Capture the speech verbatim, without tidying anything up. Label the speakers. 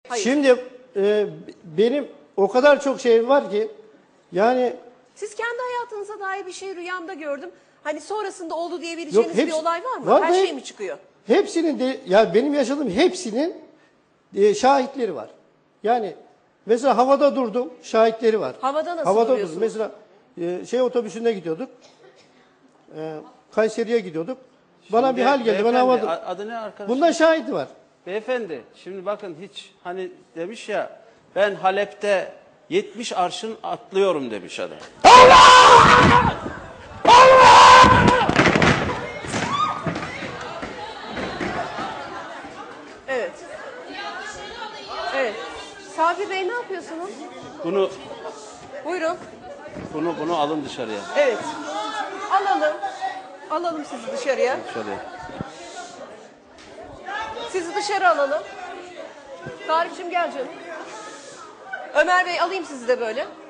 Speaker 1: Hayır.
Speaker 2: Şimdi e, benim o kadar çok şey var ki yani.
Speaker 1: Siz kendi hayatınıza dair bir şey rüyamda gördüm. Hani sonrasında oldu diyebileceğiniz
Speaker 2: Yok,
Speaker 1: bir olay var mı?
Speaker 2: var
Speaker 1: Her
Speaker 2: da
Speaker 1: şey
Speaker 2: hep-
Speaker 1: mi çıkıyor?
Speaker 2: Hepsinin de ya benim yaşadığım hepsinin e, şahitleri var. Yani mesela havada durdum, şahitleri var.
Speaker 1: Havada nasıl
Speaker 2: Havada
Speaker 1: duruyorsunuz?
Speaker 2: durdum. Mesela e, şey otobüsünde gidiyorduk. E, Kayseri'ye gidiyorduk. Bana
Speaker 3: Şimdi
Speaker 2: bir hal geldi. Ben
Speaker 3: beyefendi,
Speaker 2: havada.
Speaker 3: a- adı ne arkadaşım?
Speaker 2: Bunda şahidi var.
Speaker 3: Beyefendi şimdi bakın hiç hani demiş ya ben Halep'te yetmiş arşın atlıyorum demiş adam.
Speaker 1: Evet. Evet. Sabri Bey ne yapıyorsunuz?
Speaker 3: Bunu
Speaker 1: Buyurun.
Speaker 3: bunu bunu alın dışarıya.
Speaker 1: Evet. Alalım. Alalım sizi dışarıya.
Speaker 3: Dışarıya.
Speaker 1: Sizi dışarı alalım. Tarık'cığım gel canım. Ömer Bey alayım sizi de böyle.